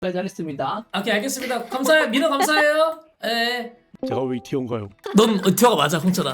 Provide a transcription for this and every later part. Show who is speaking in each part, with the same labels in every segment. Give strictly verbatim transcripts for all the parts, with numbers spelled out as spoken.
Speaker 1: 네, 잘했습니다.
Speaker 2: 오케이 알겠습니다. 감사해요. 민호 감사해요. 에.
Speaker 3: 제가 왜 이티어인가요?
Speaker 2: 넌 이티어가 맞아 홍천아.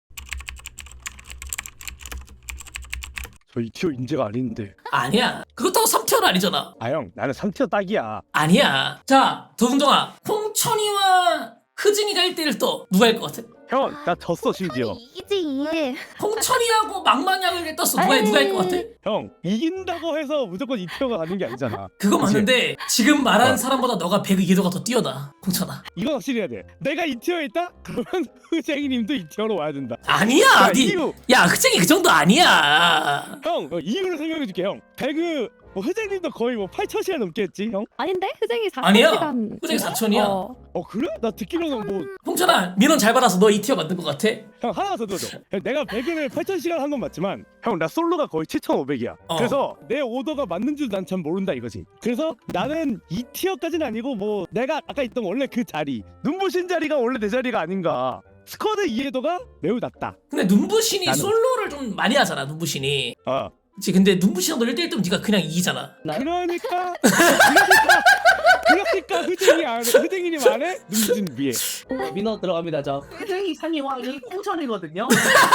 Speaker 3: 저 이티어 인재가 아닌데.
Speaker 2: 아니야. 그렇다고 삼 티어는 아니잖아.
Speaker 3: 아 형 나는 삼 티어 딱이야.
Speaker 2: 아니야. 자 도승정아, 홍천이와 흐진이가 일 대일 또 누가 일 것 같아?
Speaker 3: 형 나 졌어 심지어.
Speaker 4: 이기지.
Speaker 2: 홍천이하고 망망약을 떴어. 누가 누가 일 것 같아?
Speaker 3: 형 이긴다고 해서 무조건 이티어가 가는 게 아니잖아.
Speaker 2: 그거
Speaker 3: 그치?
Speaker 2: 맞는데 지금 말하는
Speaker 3: 어.
Speaker 2: 사람보다 너가 배그 이해도가 더 뛰어나 홍천아.
Speaker 3: 이건 확실히 해야 돼. 내가 이티어에 있다? 그러면 흐쟁이님도 이티어로 와야 된다.
Speaker 2: 아니야.
Speaker 3: 야,
Speaker 2: 니,
Speaker 3: 이유.
Speaker 2: 야 흐쟁이 그 정도 아니야.
Speaker 3: 형 어, 이유를 설명해줄게 형. 배그 뭐 흐쟁님도 거의 뭐 팔천 시간 넘게 했지 형?
Speaker 4: 아닌데? 흐쟁이 사천
Speaker 2: 아니야.
Speaker 4: 시간.
Speaker 2: 흐쟁이 사천이야.
Speaker 4: 어.
Speaker 3: 어 그래? 나 듣기로는 뭐
Speaker 2: 홍천아 민원 잘 받아서 너 이 티어 만든 것 같아?
Speaker 3: 형 하나 더 들어줘. 형, 내가 배그를 팔천 시간 한 건 맞지만 형 나 솔로가 거의 칠천오백이야.
Speaker 2: 어.
Speaker 3: 그래서 내 오더가 맞는지도 난 참 모른다 이거지. 그래서 나는 이 티어까지는 아니고 뭐 내가 아까 있던 원래 그 자리 눈부신 자리가 원래 내 자리가 아닌가. 스쿼드 이해도가 매우 낮다.
Speaker 2: 근데 눈부신이
Speaker 3: 나는-
Speaker 2: 솔로를 좀 많이 하잖아 눈부신이.
Speaker 3: 어.
Speaker 2: 그치. 근데 눈부신이랑 너 일 대일 뜨면 네가 그냥 이기잖아.
Speaker 3: 그러니까 그러니까 그러니까 흐쟁이 아래 흐쟁이님 아래 눈부신 위에.
Speaker 1: 어, 민호 들어갑니다. 저 흐쟁이 상위왕이 홍천이거든요.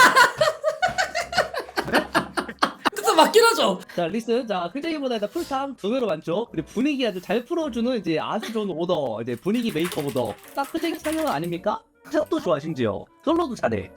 Speaker 2: 근데 또 맞긴 하죠.
Speaker 1: 자 리슨, 자 흐쟁이보다 일단 풀탐 두 배로 많죠. 그리고 분위기 아주 잘 풀어주는 이제 아주 좋은 오더, 이제 분위기 메이커 오더. 딱 흐쟁이 상위왕 아닙니까? 샷도 좋아 심지어. 솔로도 잘해.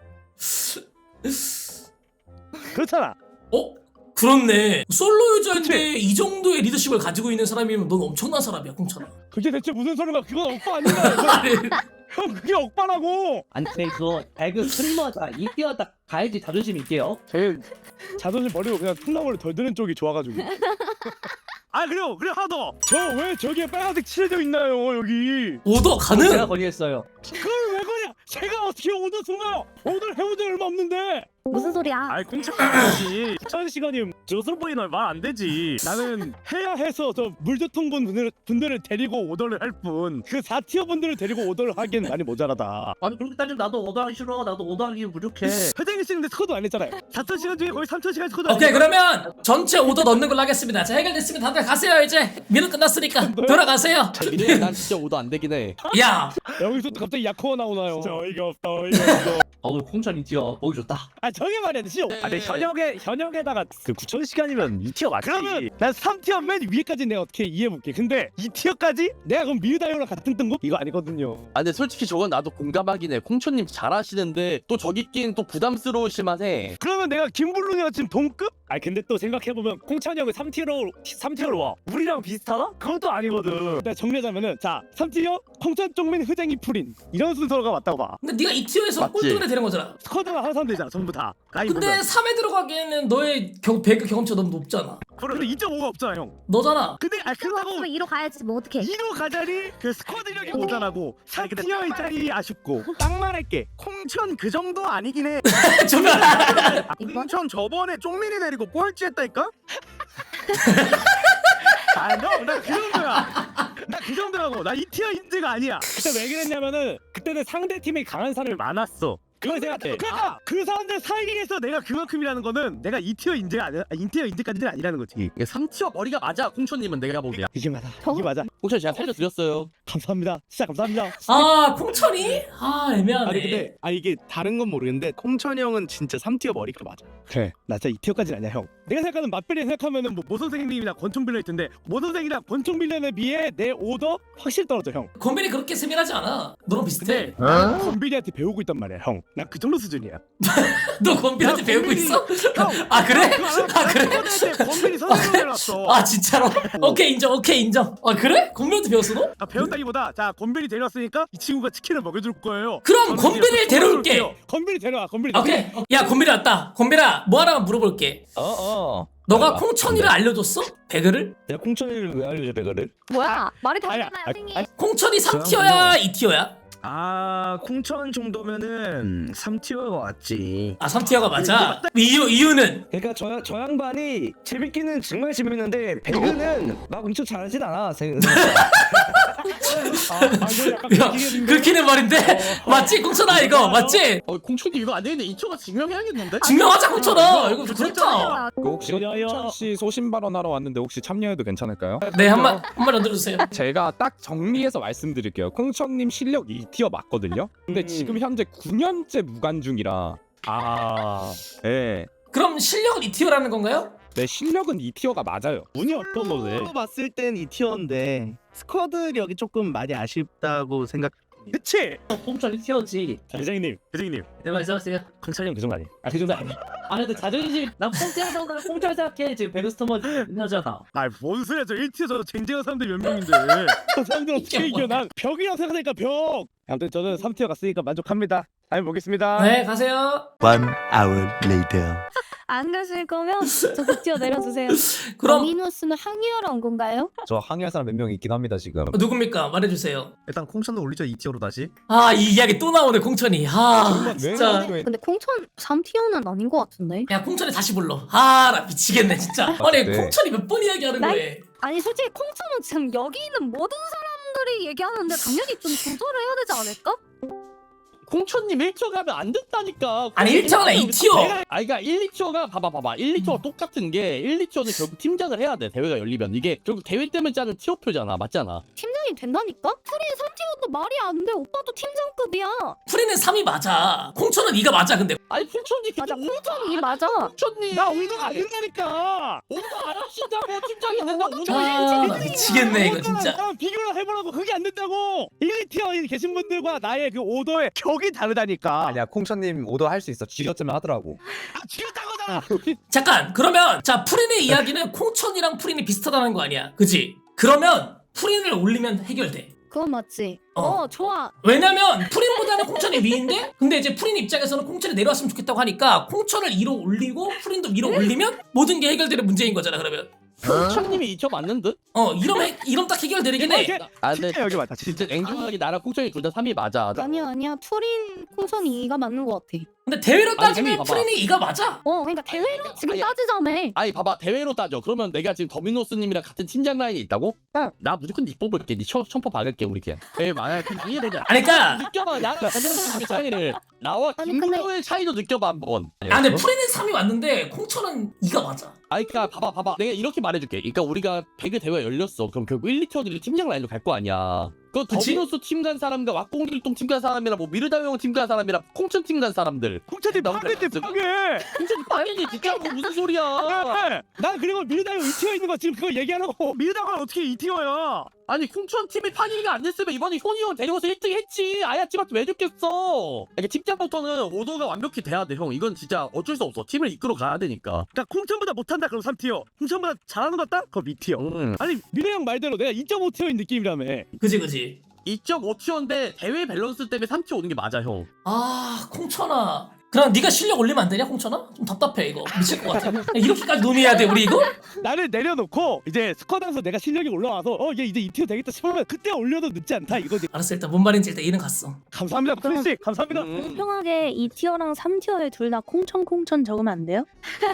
Speaker 3: 그렇잖아.
Speaker 2: 어? 그렇네. 솔로 유저인데 이 정도의 리더십을 가지고 있는 사람이면 넌 엄청난 사람이야 홍천아.
Speaker 3: 그게 대체 무슨 소리가? 그건 억바 아닌가?
Speaker 2: 아니,
Speaker 3: 형 그게 억바라고.
Speaker 1: 아니 그거 배그 스트리머다 이 티어 딱 가야지 자존심 있게요.
Speaker 3: 제 자존심 버리고 그냥 콩나물을 덜 드는 쪽이 좋아가지고. 아 그래요 그래 하나 더. 저 왜 저기에 빨간색 칠해져 있나요 여기?
Speaker 2: 오더
Speaker 1: 제가
Speaker 2: 가능?
Speaker 1: 건의했어요.
Speaker 3: 그걸 왜 거냐? 제가 어떻게 오늘 순간 오늘 해본 적 얼마 없는데.
Speaker 4: 무슨 소리야?
Speaker 3: 아이 공차까지 천 시간이면 조선보이는 말 안 되지. 나는 해야 해서 저 물조통분 분들, 분들을 데리고 오더를 할 뿐 그 사 티어 분들을 데리고 오더를 하기엔 많이 모자라다.
Speaker 1: 아니 그렇게 따지면 나도 오더하기 싫어. 나도 오더하기 부족해.
Speaker 3: 회장이 씨는데 스쿼드 안 했잖아요. 사천 시간 중에 거의 삼천 시간 스쿼드.
Speaker 2: 오케이 그러면 전체 오더 넣는 걸로 하겠습니다. 자 해결됐으면 다들 가세요 이제. 민원 끝났으니까 돌아가세요.
Speaker 5: 민호야 난 진짜 오도 안 되긴 해.
Speaker 2: 야
Speaker 3: 여기서 또 갑자기 야코가 나오나요? 진짜 어이가 없다 어이가 없어.
Speaker 1: 어 홍천 이 티어 보기 좋다.
Speaker 3: 아 저게 말이야 씨. 아 근데 현역에 현역에다가 그 구천 시간이면 이 티어 맞지? 그러면 난 삼 티어 맨 위에까지 내가 어떻게 이해해볼게. 근데 이 티어까지 내가 그럼 미르다이오랑 같은 등급? 이거 아니거든요.
Speaker 5: 아 근데 솔직히 저건 나도 공감하긴 해. 콩초님 잘하시는데 또 저기 끼는 또 부담스러우실 만해.
Speaker 3: 그러면 내가 김블룬이랑 지금 동급? 아 근데 또 생각해보면 콩찬이 형이 삼 티어로 삼 티어로 와. 우리랑 비슷하다? 그것도 아니거든. 일단 정리하자면은 자 삼 티어 콩찬 쪽맨 흐쟁이 풀인 이런 순서가 맞다고 봐.
Speaker 2: 근데 네가 이 티어에서
Speaker 5: 맞지?
Speaker 2: 꼴등이 되는 거잖아.
Speaker 3: 스쿼드가 항상 되잖아 전부 다. 라인
Speaker 2: 근데
Speaker 3: 보면.
Speaker 2: 삼에 들어가기에는 너의 경, 배그 경험치가 너무 높잖아.
Speaker 3: 근데 이 점 오가 없잖아 형.
Speaker 2: 너잖아.
Speaker 3: 근데 아 그러고
Speaker 4: 그럼 이로 가야지 뭐 어떡해.
Speaker 3: 이로 가자니 그 스쿼드력이 모자라고 삼 티어의 짤이 아쉽고 딱 말할게 콩천 그 정도 아니긴 해.
Speaker 2: 정말.
Speaker 3: 아,
Speaker 4: 이번?
Speaker 3: 콩천 저번에 쪽민이 내리고 꼴찌 했다니까? 아너나그 정도야. 나 그 정도라고. 나 이 티어 인재가 아니야. 그때 왜 그랬냐면은 그때는 상대 팀이 강한 사람이 많았어. 그걸 생각해. 그러니까 그 사람들 사이에서 내가 그만큼이라는 거는 내가 이 티어 인재가 아니라 이 티어 인재까지는 아니라는 거지.
Speaker 5: 이게 삼 티어 머리가 맞아. 콩초님은 내가 보기야.
Speaker 3: 이게 맞아. 이게 맞아.
Speaker 5: 콩초 제가 살려드렸어요.
Speaker 3: 감사합니다. 진짜 감사합니다.
Speaker 2: 아 콩천이? 아 애매하네.
Speaker 6: 아니 근데 아니 이게 다른 건 모르겠는데 콩천이 형은 진짜 삼 티어 머리가 맞아.
Speaker 3: 그래 나 진짜 이 티어까지는 아니야 형. 내가 생각하는 맛별이 생각하면은 뭐 모 선생님이나 권총 빌려 있던데 모 선생이랑 권총 빌려에 비해 내 오더 확실히 떨어져 형.
Speaker 2: 건빈이 그렇게 세밀하지 않아. 너랑 비슷해.
Speaker 3: 나는 건빌이한테 배우고 있단 말이야 형. 나 그 정도 수준이야.
Speaker 2: 너 건빈한테
Speaker 3: 야,
Speaker 2: 배우고
Speaker 3: 건빈이-
Speaker 2: 있어?
Speaker 3: 형,
Speaker 2: 아 그래?
Speaker 3: 아
Speaker 2: 그래?
Speaker 3: 건빌이 선생님을 데려왔어.
Speaker 2: 아 진짜로? 오케이 인정 오케이 인정. 아 그래? 건빈한테 배웠어 너?
Speaker 3: 아, 배웠다기보다 자 건빌이 데려왔으니까 이 친구가 치킨을 먹여줄 거예요.
Speaker 2: 그럼
Speaker 3: 저는
Speaker 2: 건빈을
Speaker 3: 그냥
Speaker 2: 데려올게.
Speaker 3: 먹여줄게요. 건빌이 데려와 건빌이.
Speaker 2: 오케이. 야 건빈이 왔다. 건빈아 뭐 하나만 물어볼게.
Speaker 6: 어어.
Speaker 2: 너가 콩천이를 알려줬어? 배그를?
Speaker 6: 내가 콩천이를 왜 알려줘 배가를?
Speaker 4: 뭐야? 말이
Speaker 3: 아니야,
Speaker 4: 다르잖아요,
Speaker 3: 아니,
Speaker 4: 선생님.
Speaker 3: 아니,
Speaker 2: 콩천이 삼 티어야 이 티어야?
Speaker 3: 아 콩천 정도면은 삼 티어가 왔지.
Speaker 2: 아 삼 티어가 맞아. 이유 이유는
Speaker 3: 그러니까 저, 저 양반이 재밌기는 정말 재밌는데 배그는 막 엄청 잘하진 않아. 세- 아, 아, 이거 약간
Speaker 2: 야
Speaker 3: 그렇긴
Speaker 2: 긁히는 말인데 맞지 콩천아 이거 맞지?
Speaker 5: 어 콩촌님 이거 안 되는데 이 초가 증명해야겠는데?
Speaker 2: 증명하자 콩천아 이거 그렇다.
Speaker 6: 그 혹시 홍천 씨 소신 발언하러 왔는데 혹시 참여해도 괜찮을까요?
Speaker 2: 네 한마 한마디 얹어주세요.
Speaker 6: 제가 딱 정리해서 말씀드릴게요. 콩천님 실력 이 티어 맞거든요. 근데
Speaker 3: 음.
Speaker 6: 지금 현재 구 년째 무관 중이라 아, 예.
Speaker 2: 그럼 실력은 이 티어라는 건가요?
Speaker 6: 내 실력은 이 티어가 맞아요.
Speaker 3: 운이 어떤 거네.
Speaker 6: 봤을 땐 이 티어인데 스쿼드력이 조금 많이 아쉽다고 생각.
Speaker 3: 그치?
Speaker 1: 콩천 일 티어지.
Speaker 3: 대장님, 대장님.
Speaker 1: 네 말씀하세요.
Speaker 3: 콩천이 그 정도 아니?
Speaker 1: 아, 그 정도 아니야. 아, 근데 자존심, 난 콩천 생각, 콩천 생각해. 지금 베르스터머 있나잖아.
Speaker 3: 아뭔 소리야? 저 일 티어 저 쟁쟁한 사람들 몇 명인데. 저 사람들 어떻게 이겨? 난 벽이라고 생각하니까 벽. 아무튼 저는 삼 티어 갔으니까 만족합니다. 다음에 보겠습니다.
Speaker 2: 네 가세요.
Speaker 7: One hour later.
Speaker 4: 안 가실 거면 저 그 티어 내려주세요.
Speaker 2: 그럼
Speaker 4: 미누스는 항의하러 온 건가요?
Speaker 8: 저 항의할 사람 몇 명 있긴 합니다 지금.
Speaker 2: 어, 누굽니까 말해주세요.
Speaker 8: 일단 콩천도 올리죠 이 티어로 다시.
Speaker 2: 아 이 이야기 또 나오네 콩천이. 아 진짜.
Speaker 4: 근데 콩천 삼 티어는 아닌 것 같은데.
Speaker 2: 야 콩천이 다시 불러. 아 나 미치겠네 진짜. 아니
Speaker 8: 네.
Speaker 2: 콩천이 몇 번 이야기하는
Speaker 4: 나-
Speaker 2: 거에.
Speaker 4: 아니 솔직히 콩천은 지금 여기 있는 모든 사람들이 얘기하는데 당연히 좀 조절을 해야 되지 않을까?
Speaker 5: 콩촌님 일 티어 가면 안 된다니까.
Speaker 2: 아니 일 티어나 이 티어.
Speaker 5: 아 그러니까 일, 이 티어가 봐봐 봐봐 일, 이 티어가 똑같은 게 일, 이 티어는 결국 팀장을 해야 돼. 대회가 열리면 이게 결국 대회 때문에 짜는 티어표잖아. 맞잖아.
Speaker 4: 팀장이 된다니까? 프린 삼 티어도 말이 안 돼. 오빠도 팀장급이야.
Speaker 2: 프리는 삼이 맞아. 콩천은 이가 맞아 근데.
Speaker 5: 아니 콩촌님
Speaker 4: 맞아. 콩천이 맞아.
Speaker 5: 콩촌님
Speaker 3: 나 운동 안 된다니까.
Speaker 5: 오늘 안 하신다고 팀장이 된다. 오늘
Speaker 2: 아 나 미치겠네 이거 진짜.
Speaker 3: 나랑 비교를 해보라고. 그게 안 된다고. 일, 이 티어에 계신 분들과 나의 그 오더의 격이 다르다니까.
Speaker 8: 아니야 콩천님 오더 할 수 있어. 쥐어쩌면 하더라고.
Speaker 3: 아, 지렸단 거잖아.
Speaker 2: 잠깐 그러면 자 프린의 이야기는 콩천이랑 프린이 비슷하다는 거 아니야 그지? 그러면 프린을 올리면 해결돼.
Speaker 4: 그건 맞지.
Speaker 2: 어.
Speaker 4: 어, 좋아.
Speaker 2: 왜냐면 프린보다는 콩천이 위인데 근데 이제 프린 입장에서는 콩천이 내려왔으면 좋겠다고 하니까 콩천을 위로 올리고 프린도 위로 올리면 모든 게 해결되는 문제인 거잖아 그러면.
Speaker 5: 콩촌님이 이 티어 맞는 듯?
Speaker 2: 어 이러면 해- 이러면 딱 해결되긴 해.
Speaker 5: 아 근데
Speaker 3: 진짜 여기 맞다. 진짜.
Speaker 5: 진짜 냉정하게 나랑 콩촌이 둘 다 삼이 맞아.
Speaker 4: 아니야 아니야. 투린 콩천이 이가 맞는 것 같아.
Speaker 2: 근데 대회로
Speaker 5: 아니,
Speaker 2: 따지면
Speaker 5: 재미 봐봐.
Speaker 2: 프린이 이가 맞아.
Speaker 4: 어 그러니까 대회로 지금
Speaker 5: 아니,
Speaker 4: 따지자며.
Speaker 5: 아니 봐봐 대회로 따져. 그러면 내가 지금 더미노스님이랑 같은 팀장 라인에 있다고?
Speaker 4: 응.
Speaker 5: 나 무조건 니 뽑을게. 니 천, 천퍼 박을게 우리 걔. 에 만약 그 이해되냐?
Speaker 2: 아니 그러니까
Speaker 5: 느껴봐. 나랑 더미노스님의 차이를 나와
Speaker 4: 아니, 근데-
Speaker 5: 김도의 차이도 느껴봐 한번.
Speaker 2: 아 근데 프린은 삼이 맞는데 콩천은 이가 맞아.
Speaker 5: 아니 그니까 봐봐 봐봐 내가 이렇게 말해줄게. 그러니까 우리가 배그 대회 열렸어. 그럼 결국 일, 이 티어들이 팀장 라인으로 갈 거 아니야. 그
Speaker 2: 그치?
Speaker 5: 더미노스 팀 간 사람과 왁공길동 팀 간 사람이랑 뭐 미르다용 팀 간 사람이랑 콩천 팀 간 사람들.
Speaker 3: 콩천이
Speaker 5: 나
Speaker 3: 파괴 때
Speaker 5: 혼자
Speaker 3: 파괴.
Speaker 5: 콩천이 파괴지 진짜 뭐 무슨 소리야?
Speaker 3: 난 그리고 미르다가 이 티어 있는 거 지금 그거 얘기하라고. 미르다가 어떻게 이 티어야?
Speaker 5: 아니 콩천 팀이 파괴가 안 됐으면 이번에 효니 형 데려와서 일 등 했지. 아야찌한테 왜 줬겠어? 이게 팀장부터는 오더가 완벽히 돼야 돼 형. 이건 진짜 어쩔 수 없어. 팀을 이끌어 가야 되니까.
Speaker 3: 그러니까 콩천보다 못한다 그럼 삼 티어. 콩천보다 잘하는 것 같다? 그럼 이 티어.
Speaker 5: 응.
Speaker 3: 아니 미래 형 말대로 내가 이 점 오 티어인 느낌이라며.
Speaker 2: 그지 그지.
Speaker 5: 이 점 오 티어인데 대회 밸런스 때문에 삼 티어 오는 게 맞아 형.
Speaker 2: 아 콩천아. 그럼 네가 실력 올리면 안 되냐 콩천아? 좀 답답해 이거 미칠 것 같아. 야, 이렇게까지 논의해야 돼 우리 이거?
Speaker 3: 나를 내려놓고 이제 스쿼드에서 내가 실력이 올라와서 어 얘 이제 이 티어 되겠다 싶으면 그때 올려도 늦지 않다 이거지.
Speaker 2: 알았어 일단 뭔 말인지 일단 이해는 갔어.
Speaker 3: 감사합니다 프린씨. 감사합니다.
Speaker 5: 음.
Speaker 9: 공평하게 이 티어랑 삼 티어에 둘 다 콩천 콩천 적으면 안 돼요?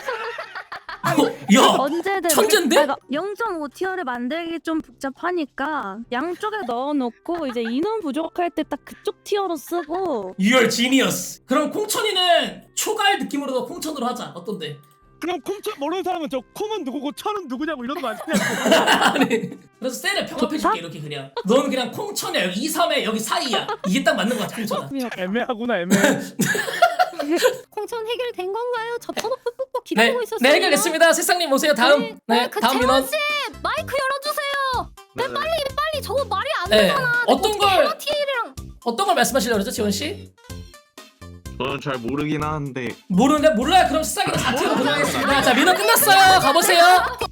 Speaker 2: 어, 야
Speaker 9: 언제든
Speaker 2: 천재인데?
Speaker 9: 그러니까 영 점 오 티어를 만들기 좀 복잡하니까 양쪽에 넣어놓고 이제 인원 부족할 때 딱 그쪽 티어로 쓰고
Speaker 2: 유얼 지니어스. 그럼 콩천이는 초갈 느낌으로 콩천으로 하자. 어떤데?
Speaker 3: 그럼 콩천 모르는 사람은 저 콩은 누구고 천은 누구냐고 이러는 거 아니냐?
Speaker 2: 아니 그래서 셀을 평합해줄게 이렇게 그냥. 넌 그냥 콩천이야 여기 이, 삼에 여기 사이야. 이게 딱 맞는 거 같아 콩천아.
Speaker 3: 애매하구나 애매해.
Speaker 4: 콩천 해결된 건가요? 저 터놓고 꾹꾹
Speaker 2: 네,
Speaker 4: 기다리고 있었어요.
Speaker 2: 네 해결됐습니다. 새싹님 오세요. 다음.
Speaker 4: 네,
Speaker 2: 네,
Speaker 4: 그
Speaker 2: 다음
Speaker 4: 재원
Speaker 2: 민원.
Speaker 4: 씨 마이크 열어주세요. 네, 빨리 빨리 저거 말이 안
Speaker 2: 네,
Speaker 4: 되잖아.
Speaker 2: 어떤 걸
Speaker 4: 티엘이랑
Speaker 2: 어떤 걸 말씀하시려고 그러죠, 지원 씨?
Speaker 10: 저는 잘 모르긴 하는데
Speaker 2: 모르는데 몰라요. 그럼 새싹이는 사 티어로 고정하겠습니다. 자, 민원 끝났어요. 가보세요.